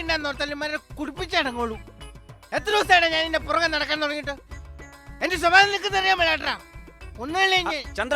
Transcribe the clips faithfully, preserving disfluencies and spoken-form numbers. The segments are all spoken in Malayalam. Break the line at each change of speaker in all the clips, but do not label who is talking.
വേണ്ടെന്നോർത്തല്ലേ കുടിപ്പിച്ചടങ്ങോളൂ. എത്ര ദിവസമാണ് ഞാൻ ഇതിന്റെ പുറകെ നടക്കാൻ തുടങ്ങിയിട്ട്? എന്റെ സ്വഭാവം നിൽക്കുന്നറിയാൻ മേലാട്ടാ. ഒന്നുമില്ല
ചന്ദ്ര,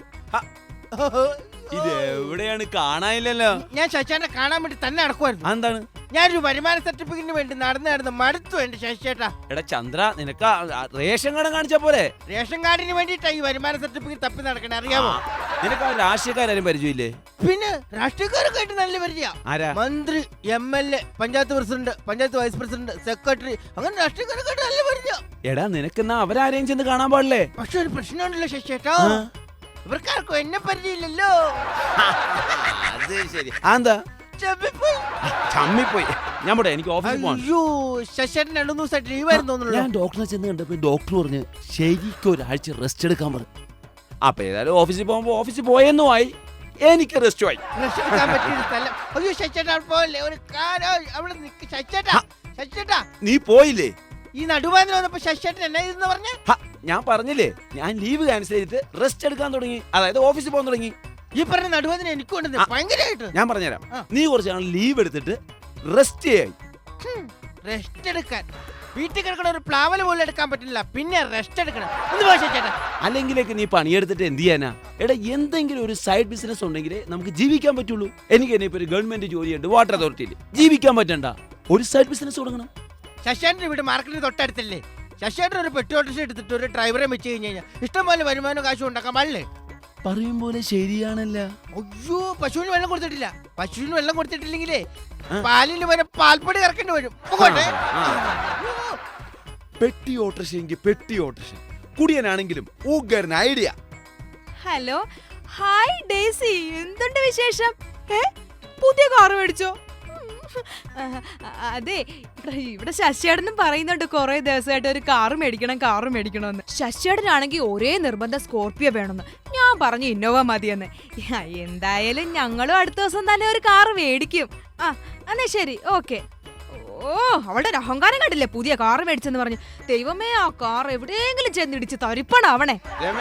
ഇത് എവിടെയാണ് കാണാനില്ലല്ലോ.
ഞാൻ ശശിയേട്ടനെ കാണാൻ വേണ്ടി തന്നെ നടക്കുമായിരുന്നു.
എന്താണ്?
ഞാനൊരു വരുമാന സർട്ടിഫിക്കറ്റിന് വേണ്ടി നടന്ന് നടന്ന് മടുത്തു എന്റെ ശശിയേട്ടാ.
എടാ ചന്ദ്ര, നിനക്ക് റേഷൻ കാർഡ് കാണിച്ച പോലെ?
റേഷൻ കാർഡിന് വേണ്ടിട്ടാ ഈ വരുമാന സർട്ടിഫിക്കറ്റ് തപ്പി നടക്കണേ, അറിയാമോ?
നിനക്ക് ആ രാഷ്ട്രീയക്കാരും പരിചയമില്ലേ?
പിന്നെ രാഷ്ട്രീയക്കാരൊക്കെ ആയിട്ട് നല്ല പരിചയ. മന്ത്രി, M L A, panchayat president, panchayat vice president, secretary, അങ്ങനെ രാഷ്ട്രീയക്കാരൊക്കെ ആയിട്ട് നല്ല പരിചയ.
എടാ നിനക്കെന്നാ അവരാരെയും ചെന്ന് കാണാൻ പാടില്ലേ?
പക്ഷെ ഒരു പ്രശ്നമുണ്ടല്ലോ ശശിയേട്ടാ, ഇവർക്കാർക്കും എന്നെ പരിചയമില്ലല്ലോ.
അത് ശരി. എന്താ ചമ്മിപ്പോയി? ഞാൻ പോട്ടെ, എനിക്ക് ഓഫീസിൽ പോകണം.
അയ്യോ, ശശിയേട്ടൻ രണ്ടു ദിവസമായിട്ട് ലീവായിരുന്നു തോന്നുന്നു.
ഞാൻ ഡോക്ടറെ ചെന്ന് കണ്ടപ്പോ ഡോക്ടർ പറഞ്ഞ് ശരിക്കും ഒരാഴ്ച റെസ്റ്റ് എടുക്കാൻ പറഞ്ഞു. അപ്പൊ ഏതായാലും ഓഫീസിൽ പോകുമ്പോ ഓഫീസിൽ പോയെന്നും ആയി, എനിക്ക് റെസ്റ്റും ആയി.
റെസ്റ്റ് എടുക്കാൻ പറ്റിയ സ്ഥലം. അയ്യോ ശശിയേട്ടാ പോലെ ഒരു കാര്യം അവിടെ നിൽക്ക്. ശശിയേട്ടാ, ശശിയേട്ടാ
നീ പോയില്ലേ?
ഈ നടുവാതിൽ വന്നപ്പോ ശശിയേട്ടൻ എന്നാ ഇതെന്ന് പറഞ്ഞ?
ഞാൻ പറഞ്ഞില്ലേ, ഞാൻ ലീവ് ക്യാൻസൽ ചെയ്തിട്ട് റെസ്റ്റ് എടുക്കാൻ തുടങ്ങി, അതായത് ഓഫീസിൽ പോകാൻ തുടങ്ങി.
ഈ പറഞ്ഞ നടുവാതിന് എനിക്കുണ്ട് ഭയങ്കരമായിട്ട്.
ഞാൻ പറഞ്ഞുതരാം. നീ കുറച്ച് നാൾ ലീവ് എടുത്തിട്ട് റെസ്റ്റ് ചെയ്യായി.
റെസ്റ്റ് എടുക്കാൻ വീട്ടിൽ കിടക്കണ ഒരു പ്ലാവല് പോലും എടുക്കാൻ പറ്റില്ല, പിന്നെ റെസ്റ്റ് എടുക്കണം. എന്ത് ഭാഷ?
അല്ലെങ്കിലേക്ക് നീ പണിയെടുത്തിട്ട് എന്ത് ചെയ്യാനാ? എടാ എന്തെങ്കിലും ഒരു സൈഡ് ബിസിനസ് ഉണ്ടെങ്കിലേ നമുക്ക് ജീവിക്കാൻ പറ്റുള്ളൂ. എനിക്ക് തന്നെ ഇപ്പൊ ഒരു ഗവൺമെന്റ് ജോലിയുണ്ട്, വാട്ടർ അതോറിറ്റിയിൽ. ജീവിക്കാൻ പറ്റണ്ട, ഒരു സൈഡ് ബിസിനസ് തുടങ്ങണം.
ശശിയേട്ടൻ്റെ വീട് മാർക്കറ്റിന് തൊട്ടടുത്തല്ലേ? ശശിയേട്ടൻ ഒരു പെട്ടി ഓട്ടോറിക്ഷ എടുത്തിട്ട് ഒരു ഡ്രൈവറെ വെച്ച് കഴിഞ്ഞ് കഴിഞ്ഞാൽ ഇഷ്ടംപോലെ വരുമാനം കാശും ഉണ്ടാക്കാൻ പാടില്ലേ?
പറയും പോലെ ശരിയാണല്ല.
അയ്യോ, പശുവിന് വെള്ളം കൊടുത്തിട്ടില്ല. പശുവിന് വെള്ളം കൊടുത്തിട്ടില്ലെങ്കിലേ പാലിന് വരെ പാൽപ്പൊടി കറക്കേണ്ടി വരും.
പെട്ടി ഓട്ടോറിക്ഷയെങ്കിൽ പെട്ടി ഓട്ടോറിക്ഷ, കുടിയനാണെങ്കിലും ഊഗറിന് ഐഡിയ.
ഹലോ, ഹായ് ഡേസി, എന്തുണ്ട് വിശേഷം? പുതിയ കാർ മേടിച്ചോ? അതെ, ഇവിടെ ശശിയേട്ടനും പറയുന്നുണ്ട് കുറെ ദിവസമായിട്ട് ഒരു കാറ് മേടിക്കണം കാറ് മേടിക്കണമെന്ന്. ശശിയേട്ടനാണെങ്കിൽ ഒരേ നിർബന്ധം സ്കോർപ്പിയോ വേണമെന്ന്. ഞാൻ പറഞ്ഞു ഇന്നോവ മതിയെന്ന്. എന്തായാലും ഞങ്ങളും അടുത്ത ദിവസം തന്നെ ഒരു കാറ് മേടിക്കും. ആ എന്നാ ശരി, ഓക്കെ. ഓ, അവളുടെ ഒരു അഹങ്കാരം കണ്ടില്ലേ, പുതിയ കാറ് മേടിച്ചെന്ന് പറഞ്ഞു. ദൈവമേ, ആ കാർ എവിടെയെങ്കിലും ചെന്നിടിച്ച് തരിപ്പണാവണേ.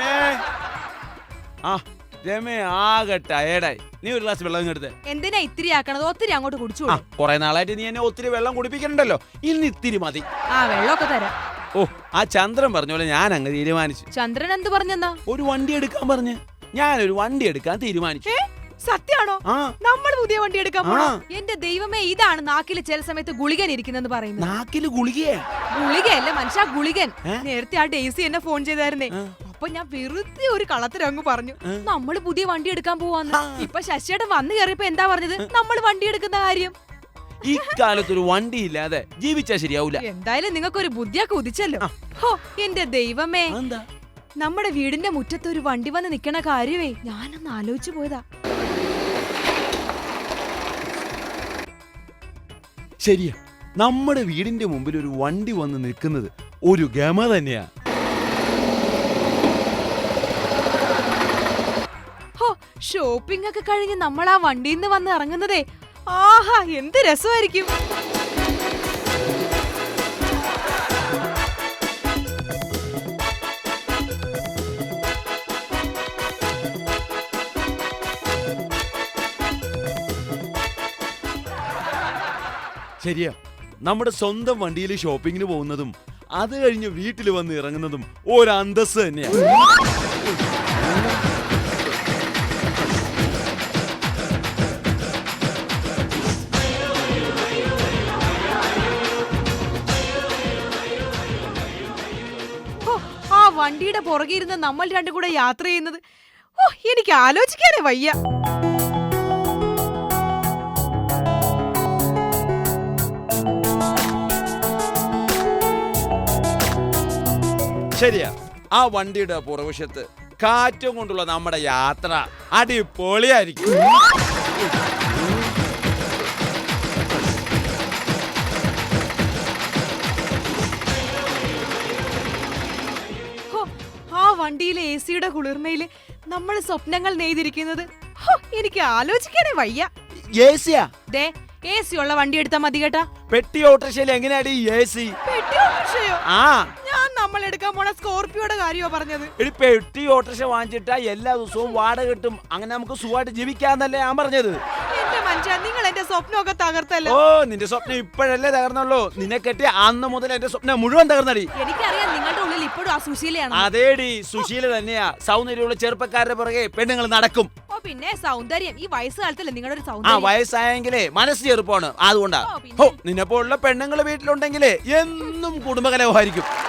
രമേ ആകെ ടയേർഡായി. നീ ഒരു ഗ്ലാസ് വെള്ളം എടുത്തേ.
എന്തിനാ ഇത്തിരി ആക്കണത്? ഒത്തിരി അങ്ങോട്ട് കുടിച്ചു.
കുറെ നാളായിട്ട് നീ എന്നെ ഒത്തിരി വെള്ളം കുടിപ്പിക്കണ്ടല്ലോ, ഇന്ന് ഇത്തിരി മതി.
ആ വെള്ളമൊക്കെ തരാം.
ഓ, ആ ചന്ദ്രൻ പറഞ്ഞ പോലെ ഞാൻ അങ്ങ് തീരുമാനിച്ചു.
ചന്ദ്രൻ എന്ത് പറഞ്ഞെന്നാ?
ഒരു വണ്ടി എടുക്കാൻ പറഞ്ഞ് ഞാനൊരു വണ്ടി എടുക്കാൻ തീരുമാനിച്ചു.
സത്യാണോ? നമ്മൾ പുതിയ വണ്ടി എടുക്കാൻ പോണോ? എന്റെ ദൈവമേ, ഇതാണ് നാക്കില് ചില സമയത്ത് ഗുളികൻ ഇരിക്കുന്നെന്ന് പറയുന്നത്.
നാക്കില് ഗുളികയെ?
ഗുളികയല്ല മനുഷ്യ, ഗുളികൻ. നേരത്തെ ആ ഡേസി എന്നെ ഫോൺ ചെയ്തായിരുന്നേ. അപ്പൊ ഞാൻ വെറുതെ ഒരു കളത്തിലങ്ങ് പറഞ്ഞു നമ്മള് പുതിയ വണ്ടി എടുക്കാൻ പോവാന്ന്. ഇപ്പൊ ശശിയേട്ടൻ വന്നു കയറിയപ്പോ എന്താ പറഞ്ഞത്? നമ്മൾ വണ്ടി എടുക്കുന്ന കാര്യം.
ഈ കാലത്തൊരു വണ്ടി ഇല്ലാതെ ജീവിച്ചാ ശരിയാവൂല.
എന്തായാലും നിങ്ങൾക്കൊരു ബുദ്ധിയൊക്കെ ഉദിച്ചല്ലോ. ഹോ, എന്റെ ദൈവമേ, നമ്മുടെ വീടിന്റെ മുറ്റത്ത് ഒരു വണ്ടി വന്ന് നിക്കണ കാര്യമേ ഞാനൊന്ന് ആലോചിച്ചു പോയതാ.
ശരിയാ, നമ്മുടെ വീടിന്റെ മുമ്പിൽ ഒരു വണ്ടി വന്ന് നിൽക്കുന്നത് ഒരു ഗമ തന്നെയാ.
ഹോ, ഷോപ്പിംഗ് ഒക്കെ കഴിഞ്ഞ് നമ്മൾ ആ വണ്ടിയിൽ നിന്ന് വന്ന് ഇറങ്ങുന്നതേ ആഹാ എന്ത് രസമായിരിക്കും.
ശരിയാ, നമ്മുടെ സ്വന്തം വണ്ടിയിൽ ഷോപ്പിങ്ങിന് പോകുന്നതും അത് കഴിഞ്ഞ് വീട്ടിൽ വന്ന് ഇറങ്ങുന്നതും ഒരു അന്തസ് തന്നെയാ.
ആ വണ്ടിയുടെ പുറകെ ഇരുന്ന് നമ്മൾ രണ്ടും കൂടെ യാത്ര ചെയ്യുന്നത് ഓ എനിക്ക് ആലോചിക്കാനേ വയ്യ.
ശരിയാ, ആ വണ്ടിയുടെ പുറവശത്ത് കാറ്റും കൊണ്ടുള്ള നമ്മുടെ യാത്ര അടിപൊളിയായിരിക്കും.
ആ വണ്ടിയിലെ എ സിയുടെ കുളിർമയില് നമ്മൾ സ്വപ്നങ്ങൾ നെയ്തിരിക്കുന്നത് എനിക്ക് ആലോചിക്കാനേ വയ്യ. ദേ, എ സി ഉള്ള വണ്ടി എടുത്താ മതി കേട്ടാ.
പെട്ടി ഓട്ടോറിക്ഷയിൽ എങ്ങനെയാടി എ സി?
പെട്ടി ഓട്ടോറിക്ഷയോ?
ആ,
ഞാൻ നമ്മൾ എടുക്കാൻ പോണ സ്കോർപ്പിയോടെ കാര്യോ പറഞ്ഞത്.
എടി, പെട്ടി ഓട്ടോറിക്ഷ വാങ്ങിച്ചിട്ടാ എല്ലാ ദിവസവും വാടക കിട്ടും, അങ്ങനെ നമുക്ക് സുഖമായിട്ട് ജീവിക്കാന്നല്ലേ ഞാൻ പറഞ്ഞത്.
എന്റെ മനുഷ്യ നിങ്ങൾ എന്റെ സ്വപ്നമൊക്കെ തകർത്തല്ലോ.
ഓ നിന്റെ സ്വപ്നം ഇപ്പോഴല്ലേ തകർന്നുള്ളൂ, നിന്നെ കെട്ടിയ അന്ന് മുതൽ എന്റെ സ്വപ്നം മുഴുവൻ തകർന്നടി.
എനിക്കറിയാം നിങ്ങളുടെ ഉള്ളിൽ ഇപ്പോഴും ആ സുശീലയാണ്.
അതേടി സുശീല തന്നെയാ. സൗന്ദര്യമുള്ള ചെറുപ്പക്കാരുടെ പുറകെ പെണ്ണുങ്ങൾ നടക്കും.
ഓ പിന്നെ സൗന്ദര്യം ഈ വയസ്സുകാലത്തല്ലേ നിങ്ങളുടെ ഒരു
ആ
സൗന്ദര്യം.
വയസ്സായെങ്കിലേ മനസ്സ് ചെറുപ്പമാണ്, അതുകൊണ്ടാ.
ഓ, പിന്നെ.
ഹോ നിന്നെ പോലുള്ള പെണ്ണുങ്ങൾ വീട്ടിലുണ്ടെങ്കിലേ എന്നും കുടുംബകലഹമായിരിക്കും.